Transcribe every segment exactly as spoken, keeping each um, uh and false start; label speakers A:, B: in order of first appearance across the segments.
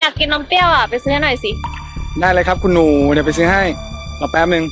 A: อยากกินนมเปรี้ยวอ่ะไปซื้อให้หน่อยสิ
B: ได้เลยครับคุณหนูเดี๋ยวไปซื้อให้รอแป๊บนึง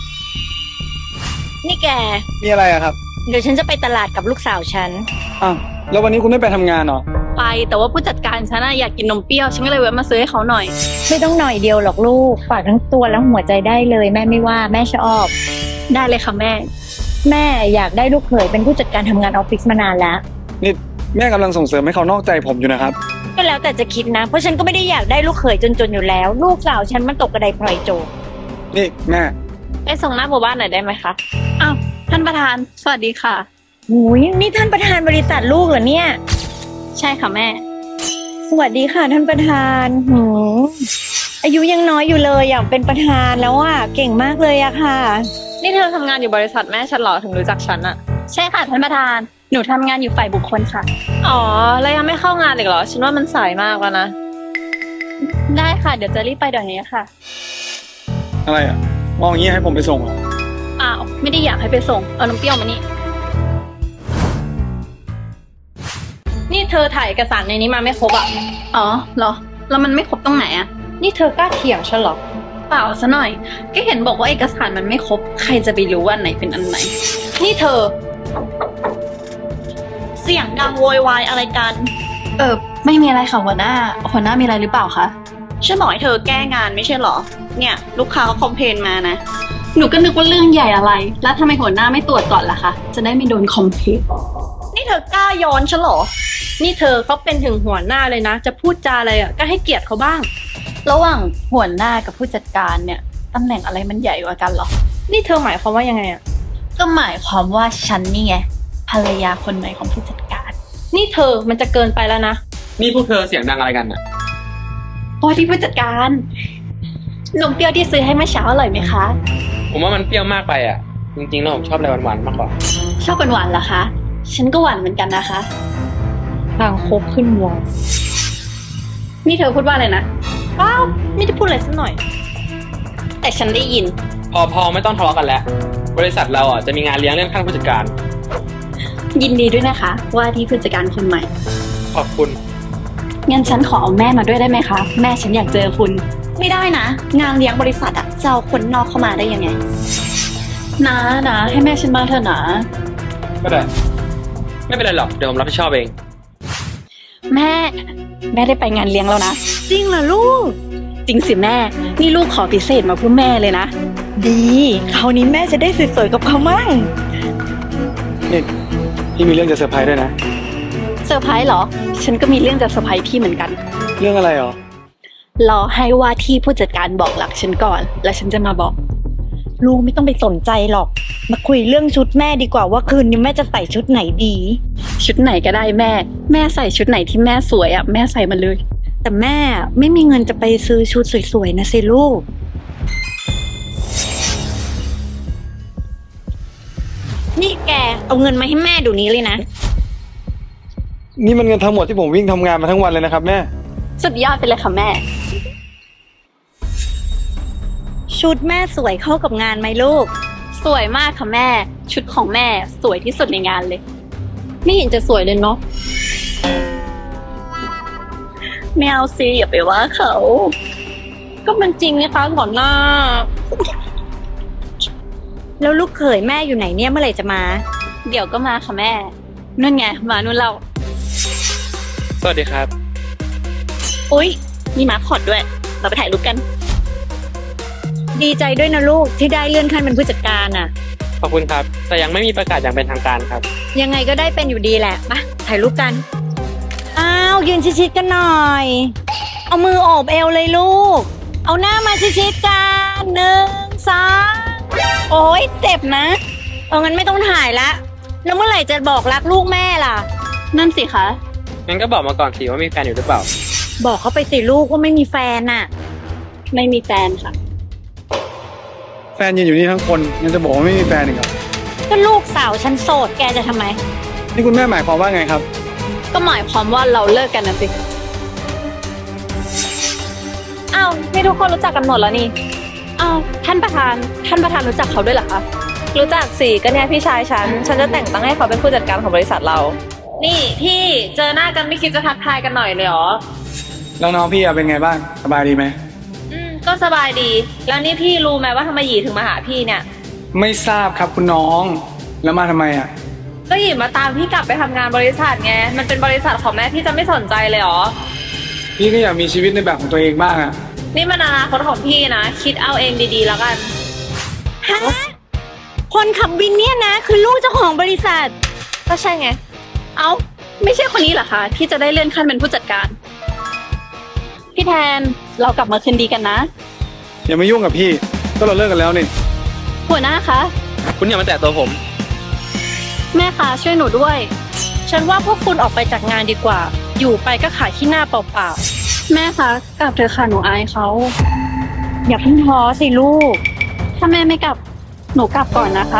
A: นี่แก
B: มีอะไรอะครับ
A: เดี๋ยวฉันจะไปตลาดกับลูกสาวฉัน
B: อ้าวแล้ววันนี้คุณไม่ไปทำงานเหรอ
A: ไปแต่ว่าผู้จัดการฉันน่ะอยากกินนมเปรี้ยวฉันก็เลยแวะมาซื้อให้เขาหน่อยไม่ต้องหน่อยเดียวหรอกลูกฝากทั้งตัวและหัวใจได้เลยแม่ไม่ว่าแม่ชอบได้เลยค่ะแม่แม่อยากได้ลูกเขยเป็นผู้จัดการทำงานออฟฟิศมานานแล้ว
B: นี่แม่กำลังส่งเสริมให้เขานอกใจผมอยู่นะครับ
A: ก็แล้วแต่จะคิดนะเพราะฉันก็ไม่ได้อยากได้ลูกเขยจนๆอยู่แล้วลูกสาวฉันมันตกกระไดพลอยโจร
B: นี่แม่
A: ไปส่งหน้าหมู่บ้านหน่อยได้ไหมคะอ้าวท่านประธานสวัสดีค่ะ
C: โอ้ยนี่ท่านประธานบริษัทลูกเหรอเนี่ย
A: ใช่ค่ะแม่
C: สวัสดีค่ะท่านประธานหืมอายุยังน้อยอยู่เลยอยากเป็นประธานแล้วอ่ะเก่งมากเลยอะค่ะ
A: นี่เธอทำงานอยู่บริษัทแม่ฉันเหรอถึงรู้จักฉันอะใช่ค่ะท่านประธานหนูทำงานอยู่ฝ่ายบุคคลค่ะอ๋อแล้วยังไม่เข้างานอีกเหรอฉันว่ามันสายมากแล้วนะได้ค่ะเดี๋ยวจะรีบไปเดี๋ยวนี้ค่ะ
B: อะไรอ่ะมองอย่างนี้ให้ผมไปส่งเหรอ
A: อ้าวไม่ได้อยากให้ไปส่งเอาน้ำเปรี้ยวมานี่นี่เธอถ่ายเอกสารในนี้มาไม่ครบอ่ะอ๋อเหรอแล้วมันไม่ครบตรงไหนอ่ะนี่เธอกล้าเถียงฉันเหรอเปล่าซะหน่อยก็เห็นบอกว่าเอกสารมันไม่ครบใครจะไปรู้ว่าอันไหนเป็นอันไหนนี่เธอเสียงดังโวยวายอะไรกันเออไม่มีอะไรค่ะหัวหน้าหัวหน้ามีอะไรหรือเปล่าคะฉันบอกให้เธอแก้งานไม่ใช่หรอเนี่ยลูกค้าเขาคอมเพลนมานะหนูก็นึกว่าเรื่องใหญ่อะไรแล้วทำไมหัวหน้าไม่ตรวจก่อนล่ะคะจะได้ไม่โดนคอมเพลนนี่เธอกล้าย้อนฉันหรอนี่เธอเขาเป็นถึงหัวหน้าเลยนะจะพูดจาอะไรอ่ะก็ให้เกียรติเขาบ้างระหว่างหัวหน้ากับผู้จัดการเนี่ยตำแหน่งอะไรมันใหญ่กว่ากันหรอนี่เธอหมายความว่ายังไงอ่ะก็หมายความว่าฉันนี่ไงภรรยาคนใหม่ของผู้จัดการนี่เธอมันจะเกินไปแล้วนะ
B: นี่พวกเธอเสียงดังอะไรกันอ่ะ
A: โอ้ที่ผู้จัดการนมเปรี้ยวที่ซื้อให้เมื่อเช้าอร่อยไหมคะ
D: ผมว่ามันเปรี้ยวมากไปอ่ะจริงๆแล้วผมชอบอะไรหวานๆมากกว่า
A: ชอบหวานๆเหรอคะฉันก็หวานเหมือนกันนะคะทางคบขึ้นวงนี่เธอพูดว่าอะไรนะอ้าวไม่ได้พูดอะไรสักหน่อยแต่ฉันได้ยิน
D: พอพอไม่ต้องทะเลาะกันแล้วบริษัทเราอ่ะจะมีงานเลี้ยงเรื่องขั้นผู้จัดการ
A: ยินดีด้วยนะคะว่าที่ผู้จัดการคนใหม่
D: ขอบคุณ
A: งั้นฉันขอเอาแม่มาด้วยได้ไหมคะแม่ฉันอยากเจอคุณไม่ได้นะงานเลี้ยงบริษัทอะจะเอาคนนอกเข้ามาได้ยังไงนะนะให้แม่ฉันมาเถอะนะ
D: ก็ได้ไม่เป็นไรหรอกเดี๋ยวผมรับผิดชอบเอง
A: แม่แม่ได้ไปงานเลี้ยงแล้วนะ
C: จริงเหรอลูก
A: จริงสิแม่นี่ลูกขอพิเศษมาเพื่อแม่เลยนะ
C: ดีคราวนี้แม่จะได้สวยๆกับเขามั่ง
B: นี่พี่มีเรื่องจะเซอร์ไพรส์ด้วยนะ
A: เซอร์ไพรส์เหรอฉันก็มีเรื่องจะเซอร์ไพรส์พี่เหมือนกัน
B: เรื่องอะไรหรอ
A: รอให้ว่าที่ผู้จัดการบอกหลักฉันก่อนแล้วฉันจะมาบอก
C: ลูกไม่ต้องไปสนใจหรอกมาคุยเรื่องชุดแม่ดีกว่าว่าคืนนี้แม่จะใส่ชุดไหนดี
A: ชุดไหนก็ได้แม่แม่ใส่ชุดไหนที่แม่สวยอ่ะแม่ใส่มาเลย
C: แต่แม่ไม่มีเงินจะไปซื้อชุดสวยๆนะสิลูก
A: นี่แกเอาเงินมาให้แม่เดี๋ยวนี้เลยนะ
B: นี่มันเงินทั้งหมดที่ผมวิ่งทำงานมาทั้งวันเลยนะครับแม่
A: สุดยอดไปเลยค่ะแม่
C: ชุดแม่สวยเข้ากับงานไหมลูก
A: สวยมากค่ะแม่ชุดของแม่สวยที่สุดในงานเลยไม่เห็นจะสวยเลยเนาะไม่เอาสิอย่าไปว่าเขาก็มันจริงนะคะก่อนหน้า
C: แล้วลูกเขยแม่อยู่ไหนเนี่ยเมื่อไหร่จะมา
A: เดี๋ยวก็มาค่ะแม่นู่นไงมานู่นเรา
D: สวัสดีครับ
A: อุ๊ยมีมาคอดด้วยเราไปถ่ายรูปกัน
C: ดีใจด้วยนะลูกที่ได้เลื่อนขั้นเป็นผู้จัดการอ่ะ
D: ขอบคุณครับแต่ยังไม่มีประกาศอย่างเป็นทางการครับ
C: ยังไงก็ได้เป็นอยู่ดีแหละมาถ่ายรูปกันอ้าวยืนชิดๆกันหน่อยเอามือโอบเอวเลยลูกเอาหน้ามาชิดๆกันหนึ่งสองโอ๊ยเจ็บนะเอางั้นไม่ต้องถ่ายละแล้วเมื่อไหร่จะบอกรักลูกแม่ล่ะ
A: นั่นสิคะ
D: งั้นก็บอกมาก่อนสิว่ามีแฟนอยู่หรือเปล่า
C: บอกเขาไปสิลูกว่าไม่มีแฟนน่ะ
A: ไม่มีแฟนค่ะ
B: แฟนยืนอยู่นี่ทั้งคนยังจะบอกว่าไม่มีแฟนอีกเหรอ
C: ก็ลูกสาวฉันโสดแกจะทำไม
B: นี่คุณแม่หมายความว่าไงครับ
A: ก็หมายความว่าเราเลิกกันนะสิอ้าวนี่ทุกคนรู้จักกันหมดแล้วนี่อ้าวท่านประธานท่านประธานรู้จักเขาด้วยเหรอคะ
E: รู้จักสิก็เนี่ยพี่ชายฉันฉันจะแต่งตั้งให้เขาเป็นผู้จัดการของบริษัทเรานี่พี่เจอหน้ากันไม่คิดจะทักทายกันหน่อยเลยเหรอ
B: แล้วน้องพี่อะเป็นไงบ้างสบายดีไหม
E: อืมก็สบายดี แล้วนี่พี่รู้ไหมว่าทำไมหยีถึงมาหาพี่เนี่ย
B: ไม่ทราบครับคุณน้องแล้วมาทำไมอะ
E: ก็หยีมาตามพี่กลับไปทำงานบริษัทไง มันเป็นบริษัทของแม่พี่จะไม่สนใจเลยเหรอ
B: พี่ก็อยากมีชีวิตในแบบของตัวเองบ้างอะ
E: นี่มันอนาคตของพี่นะ คิดเอาเองดีๆแล้วกัน
C: ฮะ คนขับวินเนี่ยนะ คือลูกเจ้าของบริษัท
E: ก็ใช่ไง
A: เอ้า ไม่ใช่คนนี้เหรอคะที่จะได้เลื่อนขั้นเป็นผู้จัดการ พี่แทนเรากลับมาคืนดีกันนะ
B: อย่ามายุ่งกับพี่ก็เราเลิกกันแล้วนี่
A: หัวหน้าคะ
D: คุณอย่ามาแตะตัวผม
A: แม่คะช่วยหนูด้วย
F: ฉันว่าพวกคุณออกไปจากงานดีกว่า อยู่ไปก็ขายขี้หน้าเปล่า
A: แม่คะกลับเถอะค่ะหนูอายเขา
C: อย่าเพิ่งท้อสิลูก
A: ถ้าแม่ไม่กลับหนูกลับก่อนนะคะ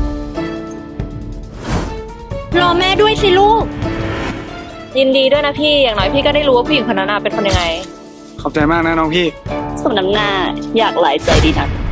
C: รอแม่ด้วยสิลูก
E: ยินดีด้วยนะพี่ อย่างน้อยพี่ก็ได้รู้ว่าผู้หญิงคนนั้นน่ะเป็นคนยังไง
B: ขอบใจมากนะน้องพี่
A: สมน้ำหน้าอยากหลายใจดีนัก